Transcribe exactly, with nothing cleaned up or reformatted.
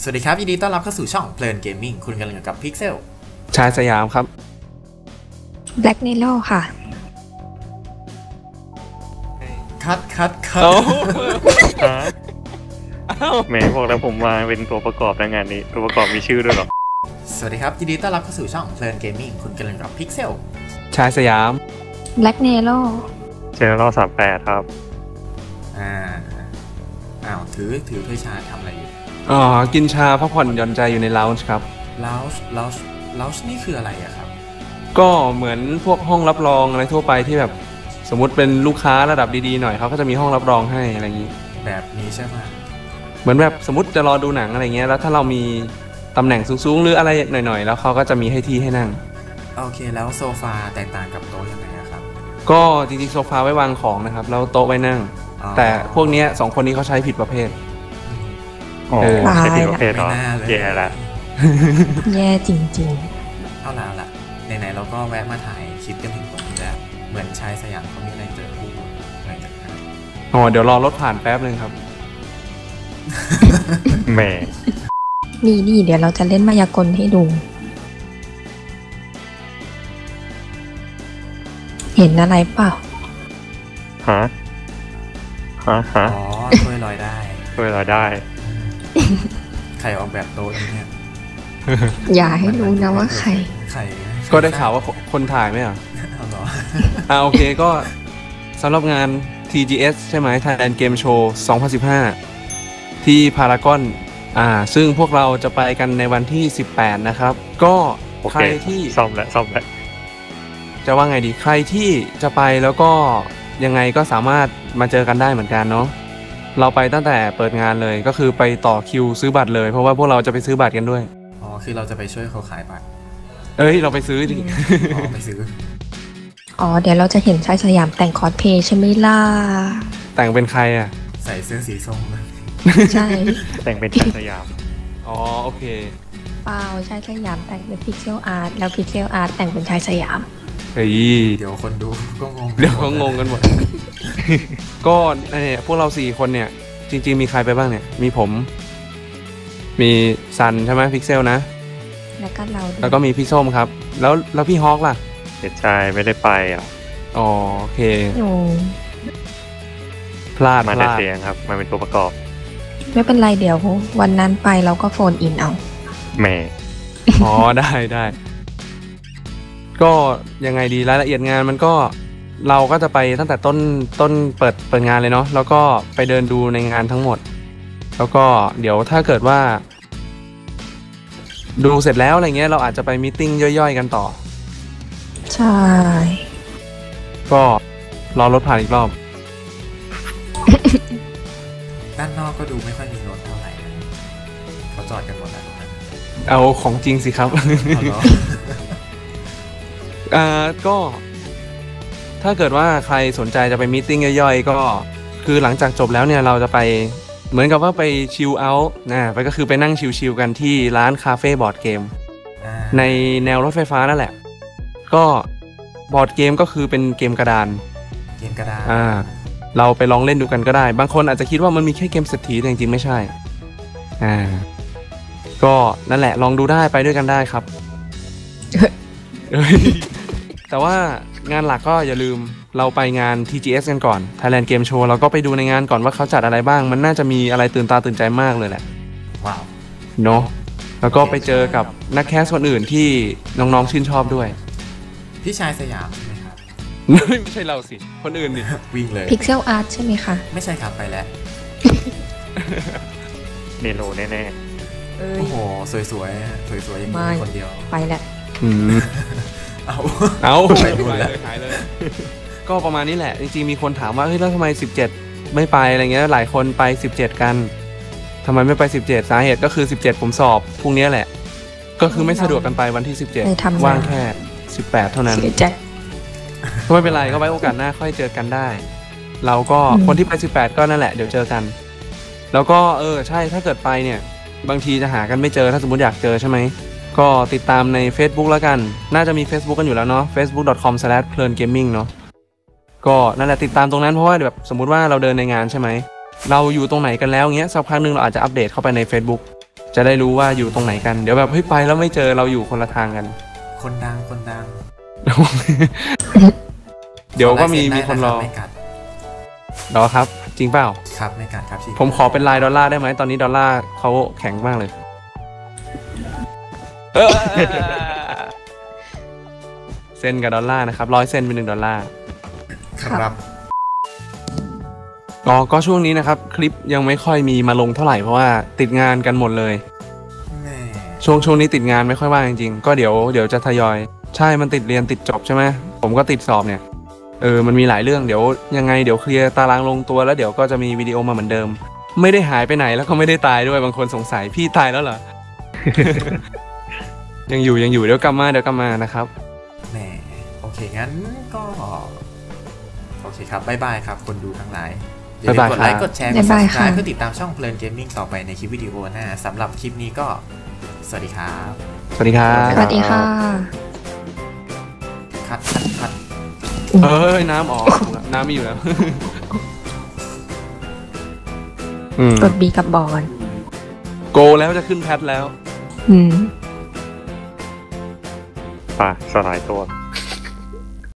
สวัสดีครับยินดีต้อนรับเข้าสู่ช่องเพลินเกมมิ่งคุณกำลังอยู่กับพิกเซลชายสยามครับ Black Nelo ค่ะคัดคัดคัดแหมบอกแล้วผมมาเป็นตัวประกอบในงานนี้ตัวประกอบมีชื่อด้วยหรอสวัสดีครับยินดีต้อนรับเข้าสู่ช่องเพลินเกมมิ่งคุณกำลังอยู่กับพิกเซลชายสยาม Black Nelo เจเนอเรลสามแปดครับอ่าอ้าวถือถือถ้วยชาทำอะไรอยู่อ๋อกินชาพักผ่อนหย่อนใจอยู่ในลาวน์ครับลาวน์ลาวน์ลาวน์นี่คืออะไรอะครับก็เหมือนพวกห้องรับรองอะไรทั่วไปที่แบบสมมุติเป็นลูกค้าระดับดีๆหน่อยเขาก็จะมีห้องรับรองให้อะไรอย่างนี้แบบนี้ใช่ไหมเหมือนแบบสมมติจะรอดูหนังอะไรเงี้ยแล้วถ้าเรามีตำแหน่งสูงๆหรืออะไรหน่อยๆแล้วเขาก็จะมีให้ที่ให้นั่งโอเคแล้วโซฟาแตกต่างกับโต๊ะยังไงครับก็จริงๆโซฟาไว้วางของนะครับแล้วโต๊ะไว้นั่งแต่พวกนี้สองคนนี้เขาใช้ผิดประเภทอ๋อใช่ผิดประเภทเหรอแย่ละแย่จริงๆเอาละละไหนๆเราก็แวะมาถ่ายคลิปกันถึงตรงนี้แล้วเหมือนชายสยามเขามีอะไรเจอผู้อะไรจากนั้นอ๋อเดี๋ยวรอรถผ่านแป๊บนึงครับแหมนี่นี่เดี๋ยวเราจะเล่นมายากลให้ดูเห็นอะไรเปล่าฮะฮะฮะอ๋อช่วยลอยได้ช่วยลอยได้ใครออกแบบโต๊ะนี้เนี่ยอย่าให้รู้นะว่าใครใครก็ได้ข่าวว่าคนถ่ายไหมอ่ะเอาหรออ่าโอเคก็สำหรับงาน ที จี เอส ใช่ไหม Thailand Game Show สองพันสิบห้าที่พารากอนอ่าซึ่งพวกเราจะไปกันในวันที่สิบแปดนะครับก็ใครที่ซ่อมแล้วซ่อมแล้วจะว่าไงดีใครที่จะไปแล้วก็ยังไงก็สามารถมาเจอกันได้เหมือนกันเนาะเราไปตั้งแต่เปิดงานเลยก็คือไปต่อคิวซื้อบัตรเลยเพราะว่าพวกเราจะไปซื้อบัตรกันด้วยอ๋อคือเราจะไปช่วยเขาขายบัตรเอ้ยเราไปซื้อดิอ๋อไปซื้ออ๋อเดี๋ยวเราจะเห็นชายสยามแต่งคอสเพลย์ใช่ไหมล่ะแต่งเป็นใครอ่ะใส่เสื้อสีส้มเลยใช่แต่งเป็นชายสยามอ๋อโอเคเปล่าชายสยามแต่งเป็นพิกเซลอาร์ตแล้วพิกเซลอาร์ตแต่งเป็นชายสยามเฮ้ยเดี๋ยวคนดูก็งงเดี๋ยวเขางงกันหมดก็เนี่ยพวกเราสี่คนเนี่ยจริงๆมีใครไปบ้างเนี่ยมีผมมีซันใช่ไหมพิกเซลนะแล้วก็เราแล้วก็มีพี่ส้มครับแล้วแล้วพี่ฮอกล่ะเด็ดชายไม่ได้ไปอ่ะอ๋อโอเคพลาดมาแต่เสียงครับมาเป็นตัวประกอบไม่เป็นไรเดี๋ยววันนั้นไปเราก็โฟนอินเอาแหมอ๋อได้ได้ก็ยังไงดีรายละเอียดงานมันก็เราก็จะไปตั้งแต่ต้นต้นเปิดเปิดงานเลยเนาะแล้วก็ไปเดินดูในงานทั้งหมดแล้วก็เดี๋ยวถ้าเกิดว่าดูเสร็จแล้วอะไรเงี้ยเราอาจจะไปมีตติ้งย่อยๆกันต่อใช่ก็รอรถผ่านอีกรอบด้านนอกก็ดูไม่ค่อยมีรถเท่าไหร่เขาจอดกันหมดแล้วเอาของจริงสิครับอ่าก็ถ้าเกิดว่าใครสนใจจะไปมีตติ้งย่อยๆก็คือหลังจากจบแล้วเนี่ยเราจะไปเหมือนกับว่าไปชิลเอาท์นะไปก็คือไปนั่งชิลๆกันที่ร้านคาเฟ่บอร์ดเกมในแนวรถไฟฟ้านั่นแหละก็บอร์ดเกมก็คือเป็นเกมกระดานเกมกระดานอ่าเราไปลองเล่นดูกันก็ได้บางคนอาจจะคิดว่ามันมีแค่เกมเศรษฐีแต่จริงๆไม่ใช่อ่าก็นั่นแหละลองดูได้ไปด้วยกันได้ครับแต่ว่างานหลักก็อย่าลืมเราไปงาน ที จี เอส กันก่อน Thailand Game Show เราก็ไปดูในงานก่อนว่าเขาจัดอะไรบ้างมันน่าจะมีอะไรตื่นตาตื่นใจมากเลยแหละว้าวเนาะแล้วก็ไปเจอกับนักแคสคนอื่นที่น้องๆชื่นชอบด้วยพี่ชายสยามใช่ไหมครับไม่ใช่เราสิคนอื่นดิวิ่งเลยพิกเซลอาร์ตใช่ไหมคะไม่ใช่ครับไปแล้วเนโรแน่ๆโอ้โหสวยๆสวยๆอย่างนี้คนเดียวไปแหละเอาเอาหายเลยหายเลยก็ประมาณนี้แหละจริงๆมีคนถามว่าเฮ้ยแล้วทำไมสิบเจ็ดไม่ไปอะไรเงี้ยหลายคนไปสิบเจ็ดกันทำไมไม่ไปสิบเจ็ดสาเหตุก็คือสิบเจ็ดผมสอบพรุ่งนี้แหละก็คือไม่สะดวกกันไปวันที่สิบเจ็ดว่างแค่สิบแปดเท่านั้นก็ไม่เป็นไรก็ไว้โอกาสหน้าค่อยเจอกันได้เราก็คนที่ไปสิบแปดก็นั่นแหละเดี๋ยวเจอกันแล้วก็เออใช่ถ้าเกิดไปเนี่ยบางทีจะหากันไม่เจอถ้าสมมติอยากเจอใช่ไหมก็ติดตามใน Facebook แล้วกันน่าจะมี Facebook กันอยู่แล้วเนาะ เฟซบุ๊ก ดอท คอม สแลช เพลินเกมมิ่ง เนาะก็นั่นแหละติดตามตรงนั้นเพราะว่าแบบสมมุติว่าเราเดินในงานใช่ไหมเราอยู่ตรงไหนกันแล้วเงี้ยสักพักนึงเราอาจจะอัปเดตเข้าไปใน Facebook จะได้รู้ว่าอยู่ตรงไหนกันเดี๋ยวแบบเฮ้ยไปแล้วไม่เจอเราอยู่คนละทางกันคนดังคนดังเดี๋ยวก็มีขอลายเซ็มีคนรอได้ะรับไม่กัดรอครับ จริงเปล่าครับไม่กัดครับพี่ผมขอเป็นลายดอลลาร์ได้ไหมตอนนี้ดอลลาร์เขาแข็งมากเลยเออเซนกับดอลลาร์นะครับร้อยเซนเป็นหนึ่งดอลลาร์ครับก็ก็ช่วงนี้นะครับ คลิปยังไม่ค่อยมีมาลงเท่าไหร่เพราะว่าติดงานกันหมดเลยแม่ช่วงช่วงนี้ติดงานไม่ค่อยว่างจริงๆก็เดี๋ยวเดี๋ยวจะทยอยใช่มันติดเรียนติดจบใช่ไหมผมก็ติดสอบเนี่ยเออมันมีหลายเรื่องเดี๋ยวยังไงเดี๋ยวเคลียร์ตารางลงตัวแล้วเดี๋ยวก็จะมีวิดีโอมาเหมือนเดิม ไม่ได้หายไปไหนแล้วก็ไม่ได้ตายด้วยบางคนสงสัยพี่ตายแล้วเหรอ ยังอยู่ยังอยู่เดี๋ยวกลับมาเดี๋ยวกลับมานะครับแม่โอเคงั้นก็โอเคครับบ๊ายบายครับคนดูทั้งหลายอย่าลืมกดไลค์กดแชร์กดบ๊ายบายค่ะ subscribe เพื่อติดตามช่องเพลินเกมมิ่งต่อไปในคลิปวิดีโอหน้าสำหรับคลิปนี้ก็สวัสดีครับสวัสดีครับสวัสดีค่ะคัดคัดคัดเอ้ยน้ำออกน้ำไม่อยู่แล้ว อืมกด B กับบอลโกแล้วจะขึ้นแพทแล้วอืมป่ะสลายตัว